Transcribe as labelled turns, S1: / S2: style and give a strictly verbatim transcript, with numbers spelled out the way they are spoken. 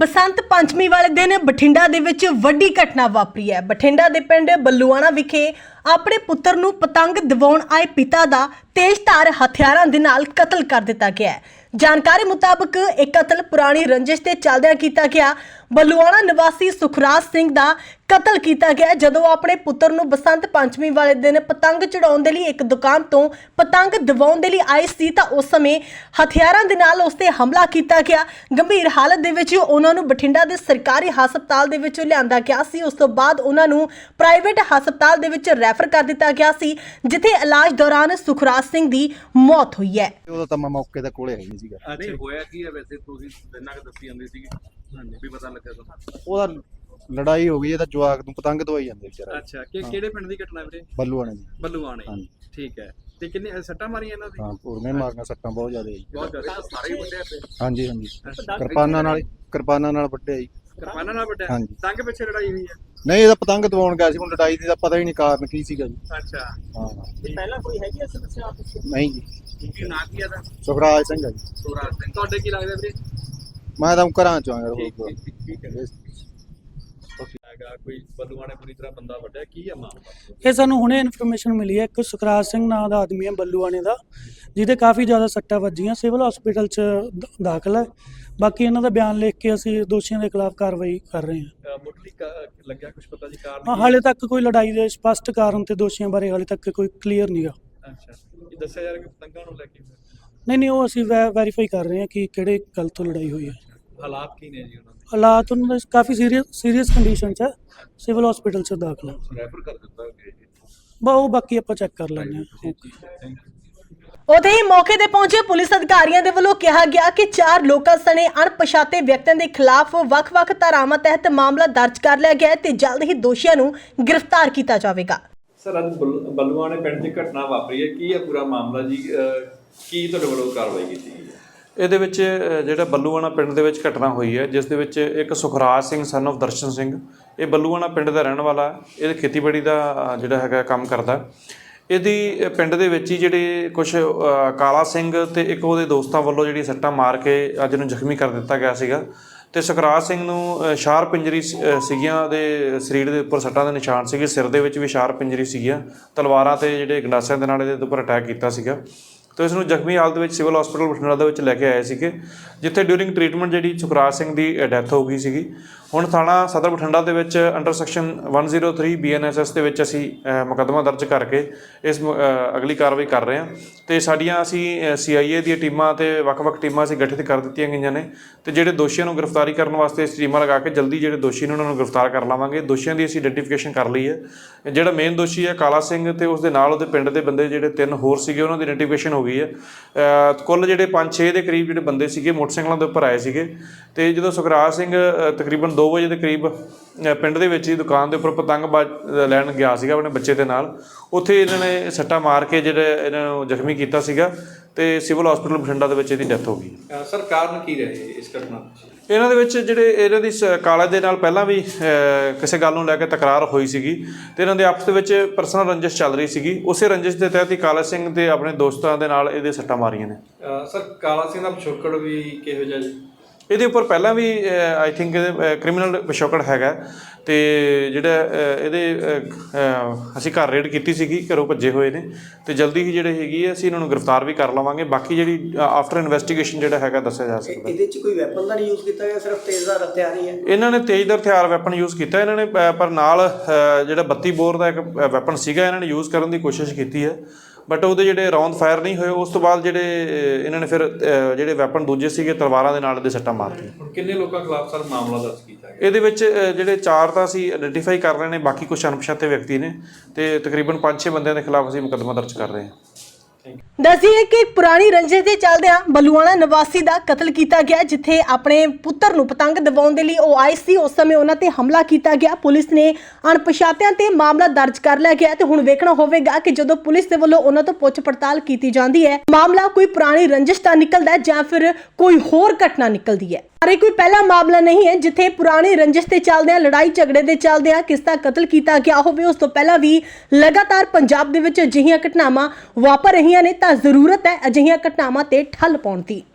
S1: बसंत पंचमी वाले दिन बठिंडा दे विच वड्डी घटना वापरी है। बठिंडा दे पिंड बल्लूआणा विखे अपने पुत्र नूं पतंग दिवाउण आए पिता दा तेजधार हथियारां दे नाल कतल कर दिता गया है। जानकारी मुताबक एक कतल पुरानी रंजिश ते चलदिआं कीता गया। बल्लूआणा निवासी सुखराज सिंह दा कतल किया गया जदों अपने पुत्र नूं बसंत पंचमी वाले दिन पतंग चढ़ाउण दे लई एक दुकान तो पतंग दिवाउण दे लई आई सी तां उस समय हथियारां दे नाल उस ते हमला किया गया। गंभीर हालत दे विच उन्हां नूं बठिंडा दे सरकारी हस्पताल दे विच लिआंदा गया सी। उस तो बाद उन्हां नूं प्राइवेट हस्पताल दे विच रैफर कर दिता गया सी, जिथे इलाज दौरान सुखराज सिंह दी मौत हुई है।
S2: ਉਦੋਂ ਤਾਂ ਮੈਂ ਮੌਕੇ ਤੇ ਕੋਲੇ ਹੈ ਨਹੀਂ ਸੀਗਾ।
S3: ਨਹੀਂ ਹੋਇਆ ਕੀ ਹੈ ਵੈਸੇ ਤੁਸੀਂ ਦਿਨਾਂ ਕ ਦੱਸੀ ਜਾਂਦੇ ਸੀਗੇ ਹਾਂਜੀ ਵੀ ਪਤਾ ਲੱਗਾ ਤੁਹਾਨੂੰ
S2: ਉਹਦਾ ਲੜਾਈ ਹੋ ਗਈ ਇਹਦਾ ਜਵਾਕ ਨੂੰ ਪਤੰਗ ਦਵਾਈ ਜਾਂਦੇ ਵਿਚਾਰਾ।
S3: ਅੱਛਾ ਕਿ ਕਿਹੜੇ ਪਿੰਡ ਦੀ ਘਟਨਾ ਵੀਰੇ?
S2: ਬੱਲੂਆਣੇ ਦੀ।
S3: ਬੱਲੂਆਣੇ
S2: ਹਾਂਜੀ
S3: ਠੀਕ ਹੈ। ਤੇ ਕਿੰਨੇ ਸੱਟਾਂ ਮਾਰੀਆਂ ਇਹਨਾਂ ਦੀ?
S2: ਹਾਂ ਪੂਰਨੇ ਮਾਰਨਾ ਸੱਟਾਂ ਬਹੁਤ ਜ਼ਿਆਦਾ ਜੀ।
S3: ਬਹੁਤ ਜ਼ਿਆਦਾ ਸਾਰੇ ਹੀ ਵੱਡੇ ਪਏ।
S2: ਹਾਂਜੀ ਹਾਂਜੀ ਕਿਰਪਾਨਾਂ ਨਾਲ ਕਿਰਪਾਨਾਂ ਨਾਲ ਵੱਢਿਆ ਜੀ।
S3: ਕਿਰਪਾਨਾਂ ਨਾਲ ਵੱਡੇ
S2: ਹਾਂਜੀ।
S3: ਤੰਗ ਪਿੱਛੇ ਲੜਾਈ ਹੋਈ ਹੈ?
S2: ਨਹੀਂ ਇਹਦਾ ਪਤੰਗ ਦਵਾਉਣ ਗਿਆ ਸੀ, ਹੁਣ ਲੜਾਈ ਦੀ ਤਾਂ ਪਤਾ ਹੀ ਨਹੀਂ ਕਾਰਨ ਕੀ ਸੀਗਾ ਜੀ।
S3: ਅੱਛਾ
S2: ਹਾਂ
S3: ਪਹਿਲਾਂ ਕੋਈ ਹੈਗੀ ਐ ਸਮੱਸਿਆ ਆਪਸ ਵਿੱਚ?
S2: ਨਹੀਂ ਜੀ।
S3: ਕੀ ਨਾਂ ਕੀ ਆਦਾ?
S2: ਸੁਖਰਾਜ ਸਿੰਘ ਹੈ ਜੀ।
S3: ਸੁਖਰਾਜ ਸਿੰਘ। ਤੁਹਾਡੇ ਕੀ ਲੱਗਦਾ ਵੀਰੇ?
S2: ਮੈਂ ਤਾਂ ਘਰਾਂ ਚੋਂ ਆਇਆ
S3: ਠੀਕ
S2: ਹੋਰ
S3: ਠੀਕ ਠੀਕ ਹੈ। ਹੈਗਾ ਕੋਈ ਬੱਲੂਆਣੇ ਪੂਰੀ ਤਰ੍ਹਾਂ ਬੰਦਾ ਵੱਡਿਆ ਕੀ ਹੈ ਮਾਮਲਾ?
S4: ਇਹ ਸਾਨੂੰ ਹੁਣੇ ਇਨਫੋਰਮੇਸ਼ਨ ਮਿਲੀ ਹੈ। ਇੱਕ ਸੁਖਰਾਜ ਸਿੰਘ ਨਾਂ ਦਾ ਆਦਮੀ ਹੈ ਬੱਲੂਆਣੇ ਦਾ, ਜਿਹਦੇ ਕਾਫੀ ਜ਼ਿਆਦਾ ਸੱਟਾਂ ਵੱਜੀਆਂ, ਸਿਵਲ ਹਸਪੀਟਲ 'ਚ ਦ- ਦਾਖਲ ਹੈ। ਬਾਕੀ ਇਹਨਾਂ ਦਾ ਬਿਆਨ ਲਿਖ ਕੇ ਅਸੀਂ ਦੋਸ਼ੀਆਂ ਦੇ ਖਿਲਾਫ ਕਾਰਵਾਈ ਕਰ ਰਹੇ ਹਾਂ।
S3: ਮੁੱਢਲੀ ਕ- ਲੱਗਿਆ ਕੁਝ ਪਤਾ ਜੀ ਕਾਰਨ
S4: ਹਾਂ,
S3: ਕੀ?
S4: ਹਾਲੇ ਤੱਕ ਕੋਈ ਲੜਾਈ ਦੇ ਸਪਸ਼ਟ ਕਾਰਨ ਤੇ ਦੋਸ਼ੀਆਂ ਬਾਰੇ ਹਾਲੇ ਤੱਕ ਕੋਈ ਕਲੀਅਰ ਨਹੀਂਗਾ।
S3: ਅੱਛਾ ਇਹ ਦੱਸਿਆ ਜਾ ਰਿਹਾ ਕਿ ਪਤੰਗਾਂ ਨੂੰ ਲੈ ਕੇ
S4: ਨਹੀਂ ਨਹੀਂ ਉਹ ਅਸੀਂ ਵੈ ਵੈਰੀਫਾਈ ਕਰ ਰਹੇ ਹਾਂ ਕਿ ਕਿਹੜੇ ਗੱਲ ਤੋਂ ਲੜਾਈ ਹੋਈ ਹੈ।
S3: ਹਾਲਾਤ ਕੀ ਨੇ ਜੀ ਉਹਨਾਂ ਦੇ?
S4: ਹਾਲਾਤ ਉਹਨਾਂ ਦੇ ਕਾਫੀ ਸੀਰੀਅਸ ਸੀਰੀਅਸ ਕੰਡੀਸ਼ਨ 'ਚ ਹੈ, ਸਿਵਲ ਹਸਪੀਟਲ 'ਚ ਦਾਖਲ ਹੈ।
S3: ਰੈਫਰ ਕਰ ਦਿੱਤਾ ਗਿਆ ਜੀ।
S4: ਬਾ ਉਹ ਬਾਕੀ ਆਪਾਂ ਚੈੱਕ ਕਰ ਲੈਂਦੇ ਹਾਂ। ਓਕੇ।
S3: Thank you.
S1: उते ही मौके ते पहुंचे पुलिस अधिकारियों के वलों कहा गया कि चार लोगों सने अणपछाते व्यक्तियों के खिलाफ वख-वख धारावां तहत मामला दर्ज कर लिया गया है ते जल्द ही दोषियों नूं गिरफ्तार किया जाएगा।
S3: ਸਰ ਅੱਜ ਬੱਲ- ਬੱਲੂਆਣੇ ਪਿੰਡ 'ਚ ਘਟਨਾ ਵਾਪਰੀ ਹੈ, ਕੀ ਹੈ ਪੂਰਾ ਮਾਮਲਾ ਜੀ? ਅਹ ਕੀ ਤੁਹਾਡੇ ਵੱਲੋਂ ਕਾਰਵਾਈ ਕੀਤੀ ਗਈ ਹੈ?
S5: ਇਹਦੇ ਵਿੱਚ ਅ, ਜਿਹੜਾ ਬੱਲੂਆਣਾ ਪਿੰਡ ਦੇ ਵਿੱਚ ਘਟਨਾ ਹੋਈ ਹੈ, ਜਿਸ ਦੇ ਵਿੱਚ ਇੱਕ ਸੁਖਰਾਜ ਸਿੰਘ ਸਨ of ਦਰਸ਼ਨ ਸਿੰਘ, ਇਹ ਬੱਲੂਆਣਾ ਪਿੰਡ ਦਾ ਰਹਿਣ ਵਾਲਾ, ਇਹ ਖੇਤੀਬਾੜੀ ਦਾ ਅ, ਜਿਹੜਾ ਹੈਗਾ ਕੰਮ ਕਰਦਾ। ਇਹਦੀ ਪਿੰਡ ਦੇ ਵਿੱਚ ਹੀ ਜਿਹੜੇ ਕੁਝ ਕਾਲਾ ਸਿੰਘ ਤੇ ਇੱਕ ਉਹਦੇ ਦੋਸਤਾਂ ਵੱਲੋਂ ਜਿਹੜੀ ਸੱਟਾਂ ਮਾਰ ਕੇ ਅੱਜ ਨੂੰ ਜ਼ਖਮੀ ਕਰ ਦਿੱਤਾ ਗਿਆ ਸੀਗਾ। ਤੇ ਸੁਖਰਾਜ ਸਿੰਘ ਨੂੰ ਸ਼ਾਰਪ ਇੰਜਰੀ ਸੀਗੀਆਂ, ਦੇ ਸਰੀਰ ਦੇ ਉੱਪਰ ਸੱਟਾਂ ਦੇ ਨਿਸ਼ਾਨ ਸੀਗੇ, ਸਿਰ ਦੇ ਵਿੱਚ ਵੀ ਸ਼ਾਰਪ ਇੰਜਰੀ ਸੀਗੀਆਂ, ਤਲਵਾਰਾਂ ਤੇ ਜਿਹੜੇ ਗੰਡਾਸਿਆਂ ਦੇ ਨਾਲ ਇਹਦੇ ਉੱਪਰ ਅਟੈਕ ਕੀਤਾ ਸੀਗਾ। ਤੇ ਇਸ ਨੂੰ ਜ਼ਖਮੀ ਹਾਲਤ ਵਿੱਚ ਸਿਵਲ ਹਸਪੀਟਲ ਬਠਿੰਡਾ ਦੇ ਵਿੱਚ ਲੈ ਕੇ ਆਏ ਸੀਗੇ, ਜਿੱਥੇ ਡਿਊਰਿੰਗ ਟ੍ਰੀਟਮੈਂਟ ਜਿਹੜੀ ਸੁਖਰਾਜ ਸਿੰਘ ਦੀ ਡੈਥ ਹੋ ਗਈ ਸੀਗੀ। ਹੁਣ ਥਾਣਾ ਸਦਰ ਬਠਿੰਡਾ ਦੇ ਵਿੱਚ ਅੰਡਰ ਸੈਕਸ਼ਨ ਇੱਕ ਜ਼ੀਰੋ ਤਿੰਨ ਬੀ ਐਨ ਐਸ ਐਸ ਦੇ ਵਿੱਚ ਅਸੀਂ ਮੁਕੱਦਮਾ ਦਰਜ ਕਰਕੇ ਇਸ ਅਗਲੀ ਕਾਰਵਾਈ ਕਰ ਰਹੇ ਹਾਂ। ਤੇ ਸਾਡੀਆਂ ਅਸੀਂ ਸੀ ਆਈ ਏ ਦੀਆਂ ਟੀਮਾਂ ਤੇ ਵੱਖ-ਵੱਖ ਟੀਮਾਂ ਅਸੀਂ ਗਠਿਤ ਕਰ ਦਿੱਤੀਆਂ ਗਈਆਂ ਨੇ, ਤੇ ਜਿਹੜੇ ਦੋਸ਼ੀਆਂ ਨੂੰ ਗ੍ਰਿਫਤਾਰੀ ਕਰਨ ਵਾਸਤੇ ਇਸ ਟੀਮਾਂ ਲਗਾ ਕੇ ਜਲਦੀ ਜਿਹੜੇ ਦੋਸ਼ੀ ਨੇ ਉਹਨਾਂ ਨੂੰ ਗ੍ਰਿਫਤਾਰ ਕਰ ਲਾਵਾਂਗੇ। ਦੋਸ਼ੀਆਂ ਦੀ ਅਸੀਂ ਆਈਡੈਂਟੀਫਿਕੇਸ਼ਨ ਕਰ ਲਈ ਹੈ। ਜਿਹੜਾ ਮੇਨ ਦੋਸ਼ੀ ਹੈ ਕਾਲਾ ਸਿੰਘ ਤੇ ਉਸ ਦੇ ਨਾਲ ਉਹਦੇ ਪਿੰਡ ਦੇ ਬੰਦੇ ਜਿਹੜੇ ਤਿੰਨ ਹੋਰ ਸੀਗੇ, ਉਹਨਾਂ ਦੀ ਆਈਡੈਂਟੀਫਿਕੇਸ਼ਨ ਹੋ ਗਈ ਹੈ। ਕੁੱਲ ਜਿਹੜੇ ਪੰਜ ਛੇ ਦੇ ਕਰੀਬ ਜਿਹੜੇ ਬੰਦੇ ਸੀਗੇ ਮੋਟਰਸਾਈਕਲਾਂ ਦੇ ਉੱਪਰ ਆਏ ਸੀਗੇ। ਤੇ ਜਦੋਂ ਸੁਖਰਾਜ ਸਿੰਘ ਤਕਰੀਬਨ ਦੋ ਵਜੇ ਦੇ ਕਰੀਬ ਪਿੰਡ ਦੇ ਵਿੱਚ ਹੀ ਦੁਕਾਨ ਦੇ ਉੱਪਰ ਪਤੰਗ ਬਾਜ ਲੈਣ ਗਿਆ ਸੀਗਾ ਆਪਣੇ ਬੱਚੇ ਦੇ ਨਾਲ, ਉੱਥੇ ਇਹਨਾਂ ਨੇ ਸੱਟਾਂ ਮਾਰ ਕੇ ਜਿਹੜੇ ਇਹਨਾਂ ਨੂੰ ਜ਼ਖਮੀ ਕੀਤਾ ਸੀਗਾ ਤੇ ਸਿਵਲ ਹਸਪੀਟਲ ਬਠਿੰਡਾ ਦੇ ਵਿੱਚ ਇਹਦੀ ਡੈਥ ਹੋ ਗਈ।
S3: ਅਹ ਸਰ ਕਾਰਨ ਕੀ ਰਹੇ ਇਸ ਘਟਨਾ ਪਿੱਛੇ?
S5: ਇਹਨਾਂ ਦੇ ਵਿੱਚ ਜਿਹੜੇ ਇਹਨਾਂ ਦੀ ਸ- ਕਾਲੇ ਦੇ ਨਾਲ ਪਹਿਲਾਂ ਵੀ ਅ, ਕਿਸੇ ਗੱਲ ਨੂੰ ਲੈ ਕੇ ਤਕਰਾਰ ਹੋਈ ਸੀਗੀ, ਤੇ ਇਹਨਾਂ ਦੇ ਆਪਸ ਦੇ ਵਿੱਚ ਪਰਸਨਲ ਰੰਜਿਸ਼ ਚੱਲ ਰਹੀ ਸੀਗੀ। ਉਸੇ ਰੰਜਿਸ਼ ਦੇ ਤਹਿਤ ਹੀ ਕਾਲਾ ਸਿੰਘ ਤੇ ਆਪਣੇ ਦੋਸਤਾਂ ਦੇ ਨਾਲ ਇਹਦੇ ਸੱਟਾਂ ਮਾਰੀਆਂ ਨੇ।
S3: ਅਹ ਸਰ ਕਾਲਾ ਸਿੰਘ ਦਾ ਪਿਛੋਕੜ ਵੀ ਕਿਹੋ ਜਿਹਾ ਜੀ?
S5: ਇਹਦੇ ਉੱਪਰ ਪਹਿਲਾਂ ਵੀ ਆਈ ਥਿੰਕ ਇਹਦੇ ਕ੍ਰਿਮੀਨਲ ਪਿਛੋਕੜ ਹੈਗਾ। ਤੇ ਜਿਹੜਾ ਅ, ਇਹਦੇ ਅ, ਅ, ਅਸੀਂ ਘਰ ਰੇਡ ਕੀਤੀ ਸੀਗੀ, ਘਰੋਂ ਭੱਜੇ ਹੋਏ ਨੇ, ਤੇ ਜਲਦੀ ਹੀ ਜਿਹੜੇ ਹੈਗੀ ਹੈ ਅਸੀਂ ਇਹਨਾਂ ਨੂੰ ਗ੍ਰਿਫਤਾਰ ਵੀ ਕਰ ਲਵਾਂਗੇ। ਬਾਕੀ ਜਿਹੜੀ ਆਫਟਰ ਇਨਵੈਸਟੀਗੇਸ਼ਨ ਜਿਹੜਾ ਹੈਗਾ ਦੱਸਿਆ ਜਾ ਸਕਦਾ।
S6: ਇਹਦੇ ਚ ਕੋਈ ਵੈਪਨ ਤਾਂ ਨਹੀਂ ਯੂਜ਼ ਕੀਤਾ ਗਿਆ, ਸਿਰਫ ਤੇਜ਼ਧਾਰ ਹਥਿਆਰ ਹੀ ਹੈ?
S5: ਇਹਨਾਂ ਨੇ ਤੇਜ਼ਧਾਰ ਹਥਿਆਰ ਵੈਪਨ ਯੂਜ਼ ਕੀਤਾ ਇਹਨਾਂ ਨੇ, ਅ, ਪਰ ਨਾਲ ਅ, ਜਿਹੜਾ ਬੱਤੀ ਬੋਰ ਦਾ ਇੱਕ ਵੈਪਨ ਸੀਗਾ ਇਹਨਾਂ ਨੇ ਯੂਜ਼ ਕਰਨ ਦੀ ਕੋਸ਼ਿਸ਼ ਕੀਤੀ ਹੈ, ਬਟ ਉਹਦੇ ਜਿਹੜੇ ਰੌਂਦ ਫਾਇਰ ਨਹੀਂ ਹੋਏ। ਉਸ ਤੋਂ ਬਾਅਦ ਜਿਹੜੇ ਅ, ਇਹਨਾਂ ਨੇ ਫਿਰ ਅ, ਜਿਹੜੇ ਵੈਪਨ ਦੂਜੇ ਸੀਗੇ ਤਲਵਾਰਾਂ ਦੇ ਨਾਲ ਦੇ ਸੱਟਾਂ ਮਾਰਤੀਆਂ।
S3: ਹੁਣ ਕਿੰਨੇ ਲੋਕਾਂ ਖਿਲਾਫ ਸਰ ਮਾਮਲਾ ਦਰਜ ਕੀਤਾ ਗਿਆ?
S5: ਇਹਦੇ ਵਿੱਚ ਅ, ਜਿਹੜੇ ਚਾਰ ਤਾਂ ਅਸੀਂ ਆਈਡੈਂਟੀਫਾਈ ਕਰ ਰਹੇ ਨੇ, ਬਾਕੀ ਕੁਝ ਅਣਪਛਾਤੇ ਵਿਅਕਤੀ ਨੇ, ਤੇ ਤਕਰੀਬਨ ਪੰਜ ਛੇ ਬੰਦਿਆਂ ਦੇ ਖਿਲਾਫ ਅਸੀਂ ਮੁਕੱਦਮਾ ਦਰਜ ਕਰ ਰਹੇ ਹਾਂ।
S1: दसिए कि पुरानी रंजिश के चलदिआं बलूआणा निवासी का कतल किया गया, जिथे अपने पुत्र नूं पतंग दिवाउण दे लई ओह आए सी। उस समय उन्हां ते हमला किया गया। पुलिस ने अणपछातिआं ते मामला दर्ज कर लिया गया ते हुण वेखਣਾ होवेगा कि जदों पुलिस दे वल्लों उन्हां तों पुੱਛ पड़ताल की जाती है, मामला कोई पुरानी रंजिश दा निकलदा है जां फिर कोई होर घटना निकलदी है। पर कोई पहला मामला नहीं है जिथे पुरानी रंजिश के चलदिआं लड़ाई झगड़े के चलदिआं किस दा कतल किया गया होवे। उस तों पहलां भी लगातार पंजाब दे विच अजिहियां घटनावां वापर रहीआं ने, तां जरूरत है अजिहियां घटनावां ते ठल पाउण दी।